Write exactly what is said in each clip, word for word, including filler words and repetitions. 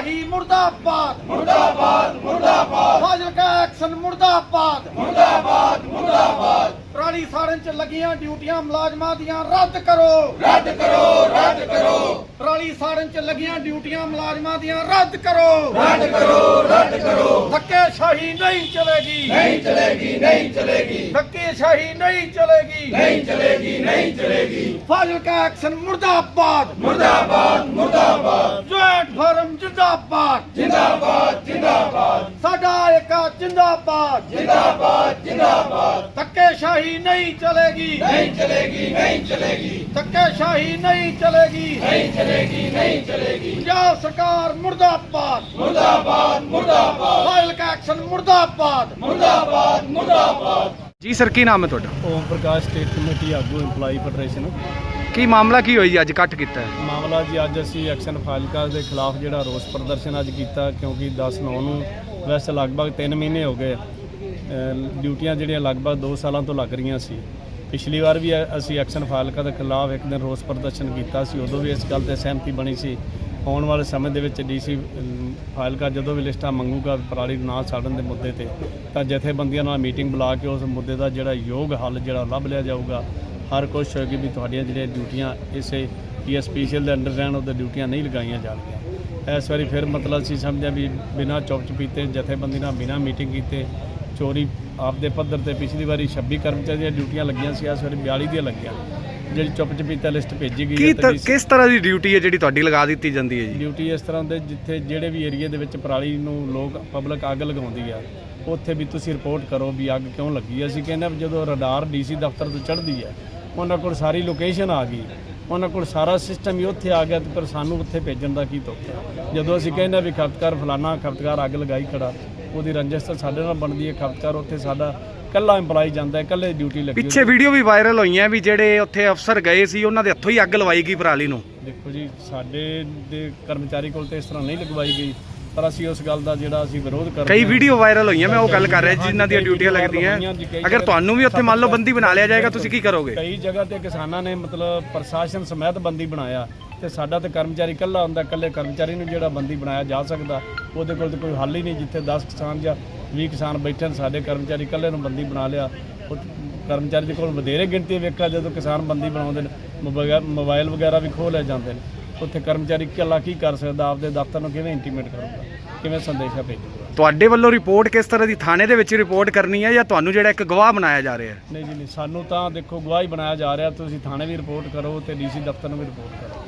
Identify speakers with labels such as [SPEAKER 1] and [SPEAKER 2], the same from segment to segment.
[SPEAKER 1] शाही मुर्दाबाद
[SPEAKER 2] मुर्दाबाद मुर्दाबाद
[SPEAKER 1] फाजिलका एक्शन मुर्दाबाद
[SPEAKER 2] मुर्दाबाद मुर्दाबाद
[SPEAKER 1] पराली साड़न च लगियां ड्यूटियां मुलाजमां दियां रद्द करो
[SPEAKER 2] रद्द करो रद्द करो
[SPEAKER 1] पराली साड़न च लगियां ड्यूटियां मुलाजमां दियां रद्द करो
[SPEAKER 2] रद्द करो रद्द करो
[SPEAKER 1] धक्केशाही नहीं चलेगी
[SPEAKER 2] नहीं चलेगी नहीं चलेगी
[SPEAKER 1] धक्केशाही नहीं चलेगी
[SPEAKER 2] नहीं चलेगी नहीं चलेगी
[SPEAKER 1] फाजिलका एक्शन मुर्दाबाद
[SPEAKER 2] मुर्दाबाद मुर्दाबाद
[SPEAKER 1] जॉइंट फोरम जिंदाबाद
[SPEAKER 2] जिंदाबाद जिंदाबाद
[SPEAKER 1] साडा एका जिंदाबाद
[SPEAKER 2] जिंदाबाद जिंदाबाद
[SPEAKER 1] धक्केशाही नहीं चलेगी
[SPEAKER 2] नहीं चलेगी नहीं चलेगी
[SPEAKER 1] धक्केशाही नहीं चलेगी
[SPEAKER 2] नहीं चलेगी नहीं चलेगी
[SPEAKER 1] पंजाब सरकार मुर्दाबाद
[SPEAKER 2] मुर्दाबाद मुर्दाबाद
[SPEAKER 1] फाजिलका एक्शन मुर्दाबाद
[SPEAKER 2] मुर्दाबाद मुर्दाबाद
[SPEAKER 3] जी सर की नाम है ਤੁਹਾਡਾ?
[SPEAKER 4] ओम प्रकाश स्टेट कमेटी आगू इंपलाई फैडरेशन
[SPEAKER 3] ਕੀ ਮਾਮਲਾ ਕੀ ਹੋਈ ਜੀ ਅੱਜ ਕੱਟ ਕੀਤਾ ਹੈ?
[SPEAKER 4] ਮਾਮਲਾ ਜੀ ਅੱਜ ਅਸੀਂ ਐਕਸ਼ਨ ਫਾਜ਼ਿਲਕਾ ਦੇ ਖਿਲਾਫ ਜਿਹੜਾ ਰੋਸ ਪ੍ਰਦਰਸ਼ਨ ਅੱਜ ਕੀਤਾ ਕਿਉਂਕਿ ਦਸ ਨੌ ਨੂੰ ਵੈਸੇ ਲਗਭਗ ਤਿੰਨ ਮਹੀਨੇ ਹੋ ਗਏ ਅ, ਡਿਊਟੀਆਂ ਜਿਹੜੀਆਂ ਲਗਭਗ ਦੋ ਸਾਲਾਂ ਤੋਂ ਲੱਗ ਰਹੀਆਂ ਸੀ। ਪਿਛਲੀ ਵਾਰ ਵੀ ਅ- ਅਸੀਂ ਐਕਸ਼ਨ ਫਾਜ਼ਿਲਕਾ ਦੇ ਖਿਲਾਫ ਇੱਕ ਦਿਨ ਰੋਸ ਪ੍ਰਦਰਸ਼ਨ ਕੀਤਾ ਸੀ, ਉਦੋਂ ਵੀ ਇਸ ਗੱਲ ਤੇ ਸਹਿਮਤੀ ਬਣੀ ਸੀ। ਆਉਣ ਵਾਲੇ ਸਮੇਂ ਦੇ ਵਿੱਚ ਡੀਸੀ ਫਾਜ਼ਿਲਕਾ ਜਦੋਂ ਵੀ ਲਿਸਟਾਂ ਮੰਗੂਗਾ ਪਰਾਲੀ ਨੂੰ ਨਾ ਸਾੜਨ ਦੇ ਮੁੱਦੇ ਤੇ ਤਾਂ ਜਥੇਬੰਦੀਆਂ ਨਾਲ ਮੀਟਿੰਗ ਬੁਲਾ ਕੇ ਉਸ ਮੁੱਦੇ ਦਾ ਜਿਹੜਾ ਯੋਗ ਹੱਲ ਜਿਹੜਾ ਲੱਭ ਲਿਆ ਜਾਊਗਾ। ਹਰ ਕੋਸ਼ਿਸ਼ ਹੋਏਗੀ ਵੀ ਤੁਹਾਡੀਆਂ ਜਿਹੜੀਆਂ ਡਿਊਟੀਆਂ ਇਸੇ ਪੀ ਐਸ ਸਪੈਸ਼ਲ ਦੇ ਅੰਡਰ ਰਹਿਣ ਉਹਦੇ ਡਿਊਟੀਆਂ ਨਹੀਂ ਲਗਾਈਆਂ ਜਾਣਗੀਆਂ। ਇਸ ਵਾਰੀ ਫਿਰ ਮਤਲਬ ਅਸੀਂ ਸਮਝਿਆ ਵੀ ਬਿਨਾਂ ਚੁੱਪ ਚਪੀਤੇ ਜਥੇਬੰਦੀ ਨਾਲ ਬਿਨਾਂ ਮੀਟਿੰਗ ਕੀਤੇ ਚੋਰੀ ਆਪਦੇ ਪੱਧਰ ਤੇ ਪਿਛਲੀ ਵਾਰੀ ਛੱਬੀ ਕਰਮਚਾਰੀ ਦੀਆਂ ਡਿਊਟੀਆਂ ਲੱਗੀਆਂ ਸੀ, ਇਸ ਵਾਰੀ ਬਿਆਲੀ ਦੀਆਂ ਲੱਗੀਆਂ। ਜਿਹੜੀ ਚੁੱਪ ਚਪੀਤਾ ਲਿਸਟ ਭੇਜੀ ਗਈ
[SPEAKER 3] ਕੀ
[SPEAKER 4] ਹੈ
[SPEAKER 3] ਤ-
[SPEAKER 4] ਤੇ
[SPEAKER 3] ਕਿਸ ਤਰ੍ਹਾਂ ਦੀ ਡਿਊਟੀ ਹੈ ਜਿਹੜੀ ਤੁਹਾਡੀ ਲਗਾ ਦਿੱਤੀ ਜਾਂਦੀ ਹੈ ਜੀ?
[SPEAKER 4] ਡਿਊਟੀ ਇਸ ਤਰ੍ਹਾਂ ਦੇ ਜਿੱਥੇ ਜਿਹੜੇ ਵੀ ਏਰੀਆ ਦੇ ਵਿੱਚ ਪਰਾਲੀ ਨੂੰ ਲੋਕ ਪਬਲਿਕ ਅੱਗ ਲਗਾਉਂਦੀ ਆ ਉੱਥੇ ਵੀ ਤੁਸੀਂ ਰਿਪੋਰਟ ਕਰੋ ਵੀ ਅੱਗ ਕਿਉਂ ਲੱਗੀ। ਅਸੀਂ ਕਹਿੰਦੇ ਹਾਂ ਵੀ ਜਦੋਂ ਰਡਾਰ ਡੀਸੀ ਦਫ਼ਤਰ ਤੋਂ ਚੜ੍ਹਦੀ ਹੈ ਉਹਨਾਂ ਕੋਲ ਸਾਰੀ ਲੋਕੇਸ਼ਨ ਆ ਗਈ, ਉਹਨਾਂ ਕੋਲ ਸਾਰਾ ਸਿਸਟਮ ਹੀ ਉੱਥੇ ਆ ਗਿਆ, ਤੇ ਪਰ ਸਾਨੂੰ ਉੱਥੇ ਭੇਜਣ ਦਾ ਕੀ ਤੁੱਕ ਹੈ? ਜਦੋਂ ਅਸੀਂ ਕਹਿੰਦੇ ਵੀ ਖਪਤਕਾਰ ਫਲਾਨਾ ਖਪਤਕਾਰ ਅੱਗ ਲਗਾਈ ਖੜਾ, ਉਹਦੀ ਰੰਜਿਸ਼ ਤਾਂ ਸਾਡੇ ਨਾਲ ਬਣਦੀ ਹੈ। ਖਪਤਕਾਰ ਉੱਥੇ ਸਾਡਾ ਇਕੱਲਾ ਇੰਪਲਾਈ ਜਾਂਦਾ ਹੈ, ਇਕੱਲੇ ਡਿਊਟੀ ਲੱਗੀ
[SPEAKER 3] ਪਿੱਛੇ ਵੀਡੀਓ ਵੀ ਵਾਇਰਲ ਹੋਈਆਂ ਵੀ ਜਿਹੜੇ ਉੱਥੇ ਅਫਸਰ ਗਏ ਸੀ ਉਹਨਾਂ ਦੇ ਹੱਥੋਂ ਹੀ ਅੱਗ ਲਵਾਈ ਗਈ ਪਰਾਲੀ ਨੂੰ।
[SPEAKER 4] ਦੇਖੋ ਜੀ, ਸਾਡੇ ਦੇ ਕਰਮਚਾਰੀ ਕੋਲ ਤੇ ਇਸ ਤਰ੍ਹਾਂ ਨਹੀਂ ਲਗਵਾਈ ਗਈ, ਪਰ ਅਸੀਂ ਉਸ ਗੱਲ ਦਾ ਜਿਹੜਾ ਅਸੀਂ ਵਿਰੋਧ ਕਰ ਰਹੇ
[SPEAKER 3] ਕਈ
[SPEAKER 4] ਹਾਂ।
[SPEAKER 3] ਵੀਡੀਓ ਵਾਇਰਲ ਹੋਈਆਂ, ਮੈਂ ਉਹ ਗੱਲ ਕਰ ਰਿਹਾ ਜਿਨ੍ਹਾਂ ਦੀਆਂ ਡਿਊਟੀਆਂ ਲੱਗਦੀਆਂ। ਅਗਰ ਤੁਹਾਨੂੰ ਵੀ ਉੱਥੇ ਮੰਨ ਲਓ ਬੰਦੀ ਬਣਾ ਲਿਆ ਜਾਏਗਾ, ਤੁਸੀਂ ਕੀ ਕਰੋਗੇ?
[SPEAKER 4] ਕਈ ਜਗ੍ਹਾ ਤੇ ਕਿਸਾਨਾਂ ਨੇ ਮਤਲਬ ਪ੍ਰਸ਼ਾਸਨ ਸਮੇਤ ਬੰਦੀ ਬਣਾਇਆ, ਤੇ ਸਾਡਾ ਤੇ ਕਰਮਚਾਰੀ ਇਕੱਲਾ ਹੁੰਦਾ, ਇਕੱਲੇ ਕਰਮਚਾਰੀ ਨੂੰ ਜਿਹੜਾ ਬੰਦੀ ਬਣਾਇਆ ਜਾ ਸਕਦਾ, ਉਹਦੇ ਕੋਲ ਤਾਂ ਕੋਈ ਹੱਲ ਹੀ ਨਹੀਂ। ਜਿੱਥੇ ਦਸ ਕਿਸਾਨ ਜਾਂ ਵੀਹ ਕਿਸਾਨ ਬੈਠੇ ਨੇ, ਸਾਡੇ ਕਰਮਚਾਰੀ ਇਕੱਲੇ ਨੂੰ ਬੰਦੀ ਬਣਾ ਲਿਆ। ਉਹ ਕਰਮਚਾਰੀ ਦੇ ਕੋਲ ਵਧੇਰੇ ਗਿਣਤੀ ਵੇਖਿਆ ਜਦੋਂ ਕਿਸਾਨ ਬੰਦੀ ਬਣਾਉਂਦੇ ਨੇ, ਮੋਬਾਈਲ ਮੋਬਾਈਲ ਵਗੈਰਾ ਵੀ ਖੋਹ ਲੈ ਜਾਂਦੇ ਨੇ। ਉੱਥੇ ਕਰਮਚਾਰੀ ਇਕੱਲਾ ਕੀ ਕਰ ਸਕਦਾ? ਆਪਦੇ ਦਫ਼ਤਰ ਨੂੰ ਕਿਵੇਂ ਇੰਟੀਮੇਟ ਕਰੂਗਾ, ਕਿਵੇਂ ਸੰਦੇਸ਼ਾ ਭੇਜੂਗਾ?
[SPEAKER 3] ਤੁਹਾਡੇ ਵੱਲੋਂ ਰਿਪੋਰਟ ਕਿਸ ਤਰ੍ਹਾਂ ਦੀ ਥਾਣੇ ਦੇ ਵਿੱਚ ਰਿਪੋਰਟ ਕਰਨੀ ਹੈ ਜਾਂ ਤੁਹਾਨੂੰ ਜਿਹੜਾ ਇੱਕ ਗਵਾਹ ਬਣਾਇਆ ਜਾ ਰਿਹਾ ਹੈ?
[SPEAKER 4] ਨਹੀਂ ਜੀ ਨਹੀਂ, ਸਾਨੂੰ ਤਾਂ ਦੇਖੋ ਗਵਾਹੀ ਬਣਾਇਆ ਜਾ ਰਿਹਾ। ਤੁਸੀਂ ਥਾਣੇ ਵੀ ਰਿਪੋਰਟ ਕਰੋ ਤੇ ਡੀਸੀ ਦਫ਼ਤਰ ਨੂੰ ਵੀ ਰਿਪੋਰਟ ਕਰੋ।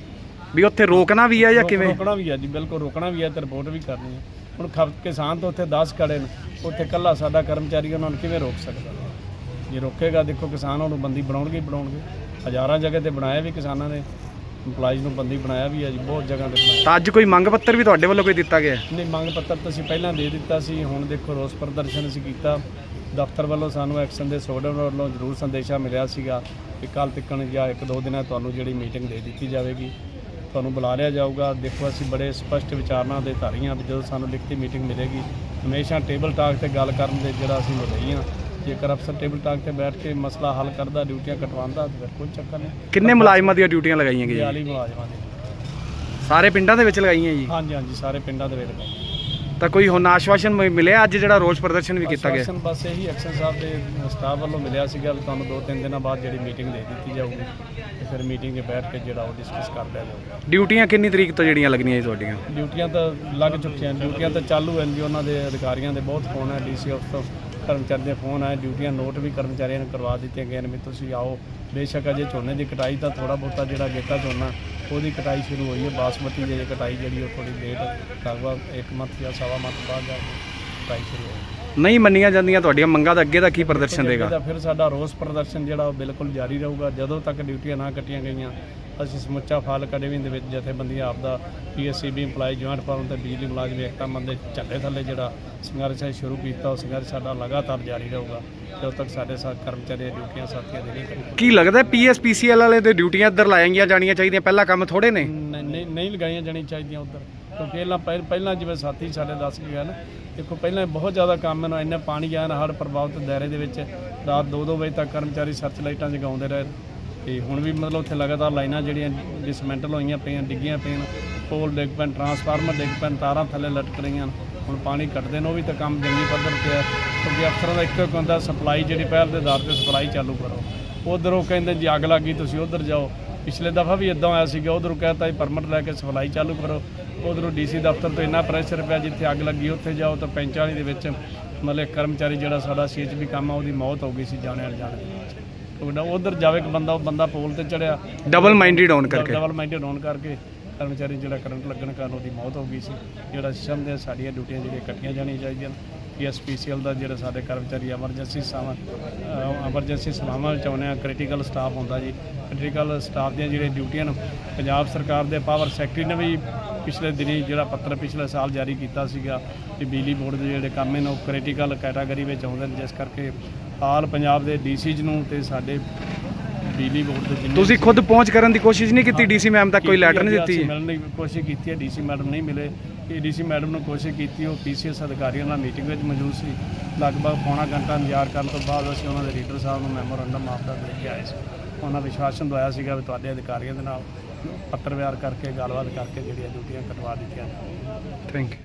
[SPEAKER 3] ਵੀ ਉੱਥੇ ਰੋਕਣਾ ਵੀ ਹੈ ਜਾਂ
[SPEAKER 4] ਰੋਕ-
[SPEAKER 3] ਕਿਵੇਂ?
[SPEAKER 4] ਰੋਕਣਾ ਵੀ ਹੈ ਜੀ, ਬਿਲਕੁਲ ਰੋਕਣਾ ਵੀ ਹੈ ਤੇ ਰਿਪੋਰਟ ਵੀ ਕਰਨੀ ਹੈ। ਹੁਣ ਖਪ ਕਿਸਾਨ ਤਾਂ ਉੱਥੇ ਦਸ ਖੜੇ ਨੇ, ਉੱਥੇ ਇਕੱਲਾ ਸਾਡਾ ਕਰਮਚਾਰੀ ਉਹਨਾਂ ਨੂੰ ਕਿਵੇਂ ਰੋਕ ਸਕਦਾ? ਜੇ ਰੋਕੇਗਾ ਦੇਖੋ ਕਿਸਾਨ ਉਹਨੂੰ ਬੰਦੀ ਬਣਾਉਣਗੇ ਹੀ ਬਣਾਉਣਗੇ। ਹਜ਼ਾਰਾਂ ਜਗ੍ਹਾ ਤੇ ਬਣਾਇਆ ਵੀ ਕਿਸਾਨਾਂ ਨੇ, ਇੰਪਲਾਈਜ਼ ਨੂੰ ਬੰਦੀ ਬਣਾਇਆ ਵੀ ਹੈ ਜੀ, ਬਹੁਤ ਜਗ੍ਹਾ ਤੇ ਬਣਾਇਆ।
[SPEAKER 3] ਤਾਂ ਅੱਜ ਕੋਈ ਮੰਗ ਪੱਤਰ ਵੀ ਤੁਹਾਡੇ ਵੱਲੋਂ ਕੋਈ ਦਿੱਤਾ ਗਿਆ ਹੈ?
[SPEAKER 4] ਨਹੀਂ, ਮੰਗ ਪੱਤਰ ਤਾਂ ਅਸੀਂ ਪਹਿਲਾਂ ਦੇ ਦਿੱਤਾ ਸੀ। ਹੁਣ ਦੇਖੋ ਰੋਸ ਪ੍ਰਦਰਸ਼ਨ ਅਸੀਂ ਕੀਤਾ, ਦਫ਼ਤਰ ਵੱਲੋਂ ਸਾਨੂੰ ਐਕਸ਼ਨ ਦੇ ਸੋਡਰ ਵੱਲੋਂ ਜ਼ਰੂਰ ਸੰਦੇਸ਼ਾ ਮਿਲਿਆ ਸੀਗਾ ਕਿ ਕੱਲ੍ਹ ਤੱਕ ਜਾਂ ਇੱਕ ਦੋ ਦਿਨਾਂ ਤੁਹਾਨੂੰ ਜਿਹੜੀ ਮੀਟਿੰਗ ਦੇ ਦਿੱਤੀ ਜਾਵੇਗੀ, ਤੁਹਾਨੂੰ ਬੁਲਾ ਲਿਆ ਜਾਊਗਾ। ਦੇਖੋ ਅਸੀਂ ਬੜੇ ਸਪਸ਼ਟ ਵਿਚਾਰਨਾ ਦੇ ਧਾਰੀ ਹਾਂ ਵੀ ਜਦੋਂ ਸਾਨੂੰ ਲਿਖਤੀ ਮੀਟਿੰਗ ਮਿਲੇਗੀ ਹਮੇਸ਼ਾ ਟੇਬਲ ਟਾਕ ਤੇ ਗੱਲ ਕਰਨ ਦੇ ਜਿਹੜਾ ਅਸੀਂ ਮੁਦਈ ਹਾਂ। ਜੇਕਰ ਅਫਸਰ ਟੇਬਲ ਟਾਕ ਤੇ ਬੈਠ ਕੇ ਮਸਲਾ ਹੱਲ ਕਰਦਾ, ਡਿਊਟੀਆਂ ਕਟਵਾਉਂਦਾ, ਤਾਂ ਫਿਰ ਕੋਈ ਚੱਕਰ ਨਹੀਂ।
[SPEAKER 3] ਕਿੰਨੇ ਮੁਲਾਜ਼ਮਾਂ ਦੀਆਂ ਡਿਊਟੀਆਂ ਲਗਾਈਆਂ ਗਈਆਂ?
[SPEAKER 4] ਬਿਆਲੀ ਮੁਲਾਜ਼ਮਾਂ ਦੀ।
[SPEAKER 3] ਸਾਰੇ ਪਿੰਡਾਂ ਦੇ ਵਿੱਚ ਲਗਾਈਆਂ ਜੀ?
[SPEAKER 4] ਹਾਂਜੀ ਹਾਂਜੀ, ਸਾਰੇ ਪਿੰਡਾਂ ਦੇ ਵਿੱਚ ਲਗਾਈ।
[SPEAKER 3] ਤਾਂ ਕੋਈ ਹੁਣ ਆਸ਼ਵਾਸਨ ਮ- ਮਿਲਿਆ ਅੱਜ ਜਿਹੜਾ ਰੋਸ ਪ੍ਰਦਰਸ਼ਨ ਵੀ ਕੀਤਾ ਗਿਆ?
[SPEAKER 4] ਆਸ਼ਵਾਸਨ ਬਸ ਇਹੀ ਐਕਸ਼ਨ ਸਾਹਿਬ ਦੇ ਸਟਾਫ ਵੱਲੋਂ ਮਿਲਿਆ ਸੀਗਾ ਵੀ ਤੁਹਾਨੂੰ ਦੋ ਤਿੰਨ ਦਿਨਾਂ ਬਾਅਦ ਜਿਹੜੀ ਮੀਟਿੰਗ ਦੇ ਦਿੱਤੀ ਜਾਊਗੀ, ਤੇ ਫਿਰ ਮੀਟਿੰਗ 'ਚ ਬੈਠ ਕੇ ਜਿਹੜਾ ਉਹ ਡਿਸਕਸ ਕਰ ਲਿਆ ਜਾਊਗਾ।
[SPEAKER 3] ਡਿਊਟੀਆਂ ਕਿੰਨੀ ਤਰੀਕ ਤੋਂ ਜਿਹੜੀਆਂ ਲੱਗਣੀਆਂ ਜੀ ਤੁਹਾਡੀਆਂ?
[SPEAKER 4] ਡਿਊਟੀਆਂ ਤਾਂ ਲੱਗ ਚੁੱਕੀਆਂ, ਡਿਊਟੀਆਂ ਤਾਂ ਚਾਲੂ ਹਨ ਜੀ। ਉਹਨਾਂ ਦੇ ਅਧਿਕਾਰੀਆਂ ਦੇ ਬਹੁਤ ਫੋਨ ਹੈ, ਡੀਸੀ ਆਫਿਸ ਤੋਂ ਕਰਮਚਾਰੀ ਦੇ ਫੋਨ ਆਏ, ਡਿਊਟੀਆਂ ਨੋਟ ਵੀ ਕਰਮਚਾਰੀਆਂ ਨੂੰ ਕਰਵਾ ਦਿੱਤੀਆਂ ਗਈਆਂ ਨੇ ਵੀ ਤੁਸੀਂ ਆਓ। ਬੇਸ਼ੱਕ ਅਜੇ ਝੋਨੇ ਦੀ ਕਟਾਈ ਤਾਂ ਥੋੜ੍ਹਾ ਬਹੁਤਾ ਜਿਹੜਾ ਗੇਤਾ ਝੋਨਾ ਉਹਦੀ ਕਟਾਈ ਸ਼ੁਰੂ ਹੋਈ ਹੈ, ਬਾਸਮਤੀ ਦੀ ਕਟਾਈ ਜਿਹੜੀ ਉਹ ਥੋੜ੍ਹੀ ਲੇਟ, ਲਗਭਗ ਇੱਕ ਮੰਥ ਜਾਂ ਸਵਾ ਮੰਥ ਬਾਅਦ ਜਾ ਕੇ ਕਟਾਈ ਸ਼ੁਰੂ ਹੋਈ।
[SPEAKER 3] ਨਹੀਂ ਮੰਨੀਆਂ ਜਾਂਦੀਆਂ ਤੁਹਾਡੀਆਂ ਮੰਗਾਂ ਦਾ ਅੱਗੇ ਦਾ ਕੀ ਪ੍ਰਦਰਸ਼ਨ ਦੇਗਾ?
[SPEAKER 4] ਫਿਰ ਸਾਡਾ ਰੋਸ ਪ੍ਰਦਰਸ਼ਨ ਜਿਹੜਾ ਉਹ ਬਿਲਕੁਲ ਜਾਰੀ ਰਹੂਗਾ ਜਦੋਂ ਤੱਕ ਡਿਊਟੀਆਂ ਨਾ ਕੱਟੀਆਂ ਗਈਆਂ। ਅਸੀਂ ਸਮੁੱਚਾ ਫਾਜ਼ਿਲਕਾ ਡਿਵੀਜ਼ਨ ਦੇ ਵਿੱਚ ਜਥੇਬੰਦੀਆਂ ਆਪਦਾ P S C B employee joint forum ਤੇ ਬਿਜਲੀ ਮੁਲਾਜ਼ਮ ਏਕਤਾ ਮੰਚ ਦੇ ਝੰਡੇ ਥੱਲੇ ਜਿਹੜਾ ਸੰਘਰਸ਼ ਹੈ ਸ਼ੁਰੂ ਕੀਤਾ, ਉਹ ਸੰਘਰਸ਼ ਸਾਡਾ ਲਗਾਤਾਰ ਜਾਰੀ ਰਹੂਗਾ ਜਦੋਂ ਤੱਕ ਸਾਡੇ ਸਾਥ ਕਰਮਚਾਰੀ ਦੀਆਂ ਡਿਊਟੀਆਂ ਸਾਥੀਆਂ ਦੀ ਨਹੀਂ ਕੱਟੀਆਂ।
[SPEAKER 3] ਕੀ ਲੱਗਦਾ ਪੀ ਐਸ ਪੀ ਸੀ ਐਲ ਵਾਲੇ ਦੇ ਡਿਊਟੀਆਂ ਇੱਧਰ ਲਾਈਆਂ ਜਾਣੀਆਂ ਚਾਹੀਦੀਆਂ? ਪਹਿਲਾਂ ਕੰਮ ਥੋੜੇ ਨੇ?
[SPEAKER 4] ਨਹੀਂ ਨਹੀਂ ਲਗਾਈਆਂ ਜਾਣੀਆਂ ਚਾਹੀਦੀਆਂ ਉੱਧਰ, ਕਿਉਂਕਿ ਪਹਿਲਾਂ ਪਹਿ- ਪਹਿਲਾਂ ਜਿਵੇਂ ਸਾਥੀ ਸਾਡੇ ਦੱਸ ਕੇ ਗਏ ਨਾ, ਦੇਖੋ ਪਹਿਲਾਂ ਬਹੁਤ ਜ਼ਿਆਦਾ ਕੰਮ ਹੈ, ਇੰਨਾ ਪਾਣੀ ਆਇਆ ਨਾ ਹੜ੍ਹ ਪ੍ਰਭਾਵਿਤ ਦਾਇਰੇ ਦੇ ਵਿੱਚ ਰਾਤ ਦੋ ਦੋ ਵਜੇ ਤੱਕ ਕਰਮਚਾਰੀ ਸਰਚ ਲਾਈਟਾਂ ਜਗਾਉਂਦੇ ਰਹੇ। ਤੇ ਹੁਣ ਵੀ ਮਤਲਬ ਉੱਥੇ ਲਗਾਤਾਰ ਲਾਈਨਾਂ ਜਿਹੜੀਆਂ ਡਿਸਮੈਂਟਲ ਹੋਈਆਂ ਪਈਆਂ, ਡਿੱਗੀਆਂ ਪਈਆਂ, ਪੋਲ ਡਿੱਗ ਪੈਣ, ਟਰਾਂਸਫਾਰਮਰ ਡਿੱਗ ਪੈਣ, ਤਾਰਾਂ ਥੱਲੇ ਲਟਕ ਰਹੀਆਂ। ਹੁਣ ਪਾਣੀ ਕੱਢਦੇ ਨੇ, ਉਹ ਵੀ ਤਾਂ ਕੰਮ ਜੰਗੀ ਪੱਧਰ 'ਤੇ ਹੈ, ਕਿਉਂਕਿ ਅਫਸਰਾਂ ਦਾ ਇੱਕੋ ਇੱਕ ਹੁੰਦਾ ਸਪਲਾਈ, ਜਿਹੜੀ ਪਹਿਲ ਦੇ ਆਧਾਰ 'ਤੇ ਸਪਲਾਈ ਚਾਲੂ ਕਰੋ। ਉੱਧਰ ਉਹ ਕਹਿੰਦੇ ਜੀ ਅੱਗ ਲੱਗ ਗਈ ਤੁਸੀਂ ਉੱਧਰ ਜਾਓ। ਪਿਛਲੇ ਦਫਾ ਵੀ ਇੱਦਾਂ ਹੋਇਆ ਸੀਗਾ, ਉੱਧਰੋਂ ਕਹਿਤਾ ਜੀ ਪਰਮਿਟ ਲੈ ਕੇ ਸਪਲਾਈ ਚਾਲੂ ਕਰੋ। ਉੱਧਰੋਂ ਡੀ ਸੀ ਦਫ਼ਤਰ ਤੋਂ ਇੰਨਾ ਪ੍ਰੈਸ਼ਰ ਪਿਆ, ਜਿੱਥੇ ਅੱਗ ਲੱਗੀ ਉੱਥੇ ਜਾਓ ਤਾਂ ਪੈਂਚਾਲੀ ਦੇ ਵਿੱਚ ਮਤਲਬ ਕਰਮਚਾਰੀ ਜਿਹੜਾ ਸਾਡਾ ਸੀ ਐਚ ਬੀ ਕੰਮ ਆ ਉਹਦੀ ਮੌਤ ਹੋ ਗਈ ਸੀ ਜਾਣੇ ਅਣਜਾਣੇ ਦੇ ਵਿੱਚ। ਉੱਧਰ ਜਾਵੇ ਇੱਕ ਬੰਦਾ, ਉਹ ਬੰਦਾ ਪੋਲ ਤੇ ਚੜਿਆ
[SPEAKER 3] ਡਬਲ ਮਾਈਂਡਡ ਹੋਣ ਕਰਕੇ
[SPEAKER 4] ਡਬਲ ਮਾਈਂਡਡ ਹੋਣ ਕਰਕੇ ਕਰਮਚਾਰੀ ਜਿਹੜਾ ਕਰੰਟ ਲੱਗਣ ਕਾਰਨ ਉਹਦੀ ਮੌਤ ਹੋ ਗਈ ਸੀ। ਜਿਹੜਾ ਸਮਝਦੇ ਸਾਡੀਆਂ ਡਿਊਟੀਆਂ ਜਿਹੜੀਆਂ ਕੱਟੀਆਂ ਜਾਣੀਆਂ ਚਾਹੀਦੀਆਂ। ਪੀ ਐਸ ਪੀ ਸੀ ਐਲ ਦਾ ਜਿਹੜਾ ਸਾਡੇ ਕਰਮਚਾਰੀ ਐਮਰਜੈਂਸੀ ਸੇਵਾਵਾਂ ਐਮਰਜੈਂਸੀ ਸੇਵਾਵਾਂ ਵਿੱਚ ਆਉਂਦੇ ਆ, ਕ੍ਰਿਟੀਕਲ ਸਟਾਫ ਹੁੰਦਾ ਜੀ। ਕ੍ਰਿਟੀਕਲ ਸਟਾਫ ਦੀਆਂ ਜਿਹੜੀਆਂ ਡਿਊਟੀਆਂ ਨੇ, ਪੰਜਾਬ ਸਰਕਾਰ ਦੇ ਪਾਵਰ ਸੈਕਟਰੀ ਨੇ ਵੀ ਪਿਛਲੇ ਦਿਨੀ ਜਿਹੜਾ ਪੱਤਰ ਪਿਛਲੇ ਸਾਲ ਜਾਰੀ ਕੀਤਾ ਸੀਗਾ ਕਿ ਬਿਜਲੀ ਬੋਰਡ ਦੇ ਜਿਹੜੇ ਕੰਮ ਨੇ ਉਹ ਕ੍ਰਿਟੀਕਲ ਕੈਟਾਗਰੀ ਵਿੱਚ ਆਉਂਦੇ ਨੇ, ਜਿਸ ਕਰਕੇ ਹਾਲ ਪੰਜਾਬ ਦੇ ਡੀ ਸੀਜ਼ ਨੂੰ ਤੇ ਸਾਡੇ ਬਿਜਲੀ ਬੋਰਡ ਦੇ ਜਿੰਨੇ
[SPEAKER 3] ਤੁਸੀਂ ਖੁਦ ਪਹੁੰਚ ਕਰਨ ਦੀ ਕੋਸ਼ਿਸ਼ ਨਹੀਂ ਕੀਤੀ? ਡੀਸੀ ਮੈਮ ਤੱਕ ਕੋਈ ਲੈਟਰ ਨਹੀਂ ਦਿੱਤੀ?
[SPEAKER 4] ਮਿਲਣ ਦੀ ਕੋਸ਼ਿਸ਼ ਕੀਤੀ ਹੈ, ਡੀਸੀ ਮੈਡਮ ਨਹੀਂ ਮਿਲੇ। ਇਹ ਡੀਸੀ ਮੈਡਮ ਨੂੰ ਕੋਸ਼ਿਸ਼ ਕੀਤੀ, ਉਹ ਪੀ ਸੀ ਐਸ ਅਧਿਕਾਰੀਆਂ ਨਾਲ ਮੀਟਿੰਗ ਵਿੱਚ ਮੌਜੂਦ ਸੀ। ਲਗਭਗ ਪੌਣਾ ਘੰਟਾ ਇੰਤਜ਼ਾਰ ਕਰਨ ਤੋਂ ਬਾਅਦ ਅਸੀਂ ਉਹਨਾਂ ਦੇ ਲੀਡਰ ਸਾਹਿਬ ਨੂੰ ਮੈਮੋਰੰਡਮ ਆਪਦਾ ਦੇ ਕੇ ਆਏ ਸੀ। ਉਹਨਾਂ ਵਿਸ਼ਵਾਸਨ ਦਵਾਇਆ ਸੀਗਾ ਵੀ ਤੁਹਾਡੇ ਅਧਿਕਾਰੀਆਂ ਦੇ ਨਾਲ ਪੱਤਰ ਵਿਹਾਰ ਕਰਕੇ ਗੱਲਬਾਤ ਕਰਕੇ ਜਿਹੜੀਆਂ ਡਿਊਟੀਆਂ ਕਟਵਾ ਦਿੱਤੀਆਂ।
[SPEAKER 3] Thank you.